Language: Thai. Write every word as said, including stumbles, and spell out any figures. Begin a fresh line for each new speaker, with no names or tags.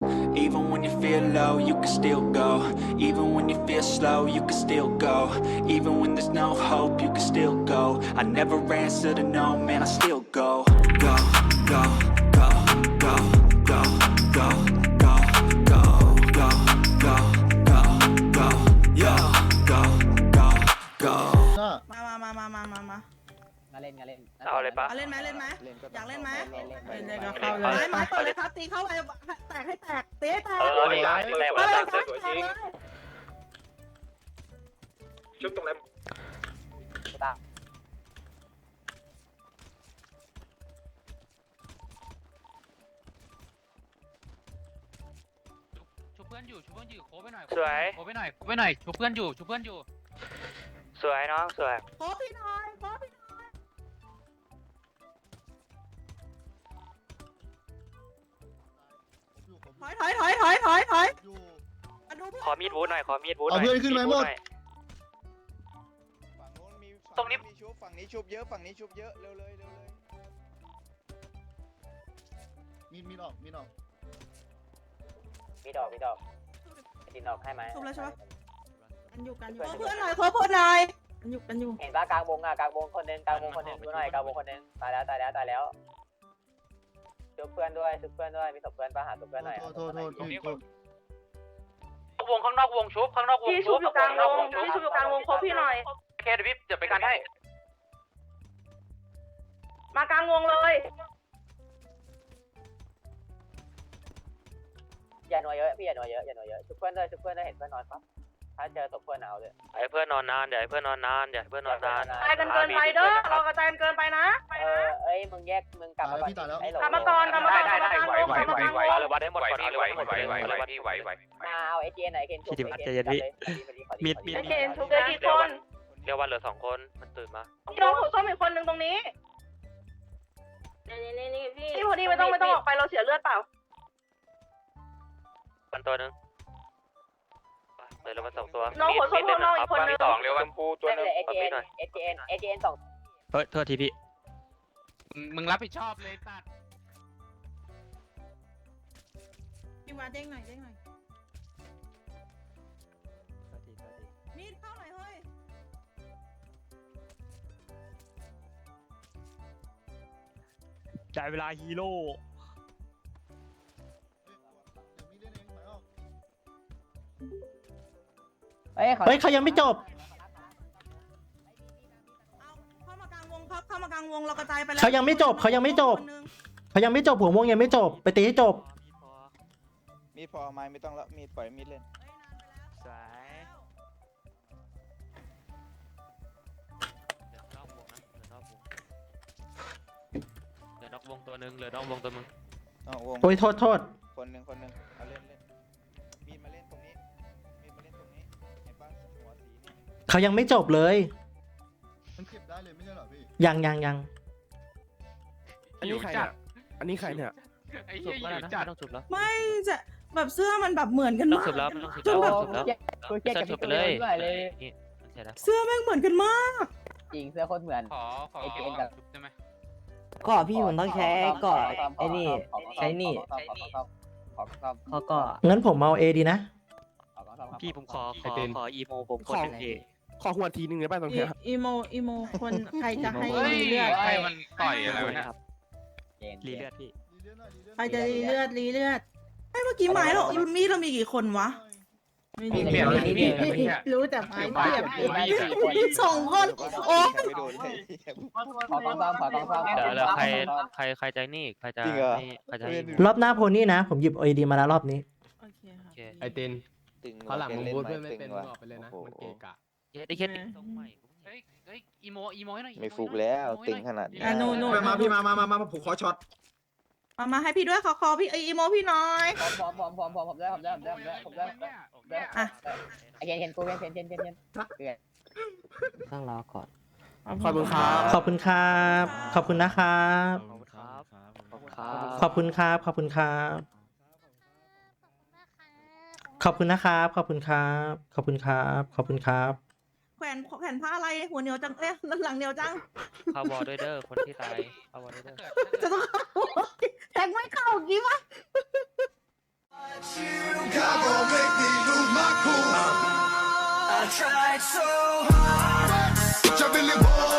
Even when you feel low, you can still go. Even when you feel slow, you can still go. Even when there's no hope, you can still go. I never answer to no, man, I still go. Go, go, go, go, go, go, go, go, go, go, go, go, yo, go, go, go.
มามามามามามามา
งานเล่นงานเล่น
เอาเลยปะ
เอาเล่นไหมเล่นไหมอยากเล่นไหม
เล่นเล่น
เล่นเลยก็เข้าเลยไม้เปิดเลยครับตีเข้าไปแตกให้แตกตีให้แตก
เออนี่ไงแรงมาแรงสวยจริง
ชุบตรงไหน
ตา
ชุบเพื่อนอยู่ชุบเพื่อนอยู่โคไปหน่อย
สวย
โคไปหน่อยโคไปหน่อยชุบเพื่อนอยู่ชุบเพื่อนอยู่
สวยน้องสวย
โคพี่หน่อยโคพี่หน่อยถอยถอยถอยถอยถอยถอยมาดู
ขอมีดวูดหน่อยขอมีดวูดหน่
เอา
อย
เพื่อนขึ้นไหมหมด
ฝั่งโน้นมี
ตรงนี้
มีชุบฝั่งนี้ชุบเยอะฝั่งนี้ชุบเยอะเร็วเลยเร็วเลย
มีดมีดออกมีดออก
มีดอกมีดอกดินดอกให้ไหม
ทุบแล้วใช่ปะกันอยู่กันอยู่เพื่อนหน่อยเพื่อนเพื่อนหน่อยกันอยู่กันอยู่
เห็นป่ะกลางวงอ่ะกลางวงคนนึงกลางวงคนนึงดูหน่อยกลางวงคนนึงตายแล้วตายแล้วตายแล้วชุบเพื่อนด้วยชุบเพื่อนด้วยมีศพเพื่อนป่ะหาศพเพื่อนหน่อย
โทษโทษโทษโทษ
วงข้างนอกวงชุบข้างนอกวง
พี่ชุบอยู่กลางวงพี่ชุบอยู่กลางวงครบพี่หน่อย
โอเคเดี๋ยวพี่เดี๋ยวไปกันให้
มากลางวงเลย
อย่าหน่วยเยอะพี่อย่าหน่วยเยอะอย่าหน่วยเยอะชุบเพื่อนด้วยชุบเพื่อนด้วยเห็นเพื่อนนอนปั๊บถ้าเจอศพเพื่อนเอาเลย
ไอ้เพื่อนนอนนานเดี๋ยวไอ้เพื่อนนอนนานเดี๋ยวเพื่อนนอนนาน
ตายกันเกินไปเด้อเรากระจายกันเกินไปนะ
เออเอ้ยมึงแยกมึงกลับมาก่อนไอ้หลง
กลับมาก่อนกลับมาก่อน
ได้
กลับ
ได้
มากลางวงกลับมากลางวง
เอาเลยวัดให้หมดก่อนเอาเลยวัดให้หมดก่อนเอาเลยวัดที่ไหวไหว
มาเอาไอเจนไหนเคนชุบ
พี่ดิมัดใจเย็นพี่ มีดมีด
ไอเจนชุบได้กี่คน
เรียกว่าเหลือสองคนมันตื่นมา
พี่น้องหัวส้มอีกคนนึงตรงนี้
นี่นี่นี่พี่
พี่พอดีไม่ต้องไม่ต้องออกไปเราเสียเลือดเปล่า
มันตัวนึงเดี๋ยวเรามาสองตัว
น้องหัวส้มข้างนอกอีกคนนึง
สองเร็ว
ช
วัน
มพูตัวนึง
ไอเจนไอเจนไอเจนสอง
เฮ้ยโทษทีพี่
มึงมึงรับผิดชอบเลยตัด
พี่วาเด้งหน่อยเด้งหน่อยมีดเข้าหน่อยเฮ้ย
จ่ายเวลาฮีโร่
เฮ้ย
เฮ้ยเขายังไม่จบ
เอาเข้ามากลางวงครับเข้ามากลางวงเรากระจายไปแล้ว
เขายังไม่จบเขายังไม่จบ
คนนึง
เขายังไม่จบหัวม่วงยังไม่จบไปตีให้จบ
มีดพอไม้ไม่ต้องแล้วมีดปล่อยมีดเล่น
สวยเหลือนอกวงนะเหลือนอกวงเหลือนอกวงตัวหนึ่งเหลือนอกวงตัวมึง
อ๋อวง
โอ้ยโทษโทษ
คนหนึ่งคนหนึ่งเอาเล่นเล่นมีดมาเล่นตรงนี้มีดมาเล่นตรงนี้เห็นป่ะหัวสีนี่
เขายังไม่จบเลย
มันเก็บได้เลยไม่ใช่เหรอพี่
ยังยังยัง
อันนี้ใครเนี่ยอันนี้ใครเนี่ยไอ้เหี้ยอยู่จัด
ต้องจุบแล้ว
ไม่จะแบบเสื้อมันแบบเหมือนกัน
ต้อง
มาก
จุบแล้วต้องจุบ
จน
แล้ว
แบบ
จุบแล้ว
กูเจ๊กับ
จุ
พี่
บไป
ตัว
เลย
ด้วยเลย
นี่เสร็จแล้ว
เสื้อแม่งเหมือนกันมาก
จริงเสื้อโคตรเหมือน
ขอขอ
ไอ้เจน
ชุ
กับ
บได้ไหม
ก็พี่ผมต้องใช้ก่อนไอ้นี่ใช้นี่
ขอซ่อมขอซ่อม
เขาก็งั้นผมเอาเอดีนะ
ขอซ่อม
พี่ผมขอขอขออีโมผมคนหนึ่งที
ขอหัวทีนึงได้ป่ะตรงเนี้ย
อีโมอีโมคนใครจะให้
เฮ้ย
รีเลือด
ใครมันต่อยอะไรวะเนี่ย
ครับ
เจน
รีเลือดพี่
รีเลือดหน่อยรีเลือด
ใครจะรีเลือดรีเลือดไอ้เมื่อกี้ไม้เรามีดเรามีกี่คนวะไม่มี
เปลี่ยนเลยพี่เปลี่ยนเลยพี่
รู้แต่ไม้เปรียบ
ได้สี่คน
สองคนโอ้
ไม่โดนเลย
ขอต้องซ่อมขอต้องซ่อม
เดี๋ยวแล้วใครใครใครจะนี่ใครจะ
จริงเหรอ
นี่ใครจะนี่
รอบหน้าโพนี่นะ ผมหยิบเอดีมาแล้วรอบนี้
โอเค
โอ
ค่ะ
เค
ไอติน
ตึง
เขาหลังมึง
ล่
พูด
ไห
เพื่อนไม่เป็น
ตึง
มึง
ว่ะ
ออกไปเลยนะ
โอ้โห
มันเกะกะ
ได้แค่ติดตรงใหม่
เฮ้ยเฮ้ยอีโมอีโมให้หน่อย
ไม่ฟุกแล้วตึงขนาดนี้
อ่ะโน่โน่
มาพี่มามามามาผมขอช็อต
มามาให้พี่ด้วยขอคอพี่ไออีโมพี่น้อย
พร้อมพร้อมพร้อมพร้อมผมได้ผมได้ผมได้ผมได้ผมได้ผมได้
อ่ะ
ไอเคนเคนกูเคนเคนเคนเคนเคน
ต้องรอก่อน
ขอบคุณครับ
ขอบคุณครับ ขอบคุณนะครับ
ขอบคุณครับขอบคุณครับ
ขอบคุณครับ ขอบคุณครับ ขอบคุณนะครับ ขอบคุณครับ ขอบคุณครับ ขอบคุณครับ
แขวนแขวนผ้าอะไรหัวเหนียวจังเอ๊ะหลังเหนียวจัง
เข้าวอลด้วยเด้อคนที่ตายเข้าวอลด้วยเด้อ
จะต้องเข้าแทงไม่เข้ากี่วะ
I tried so hard.
But you really want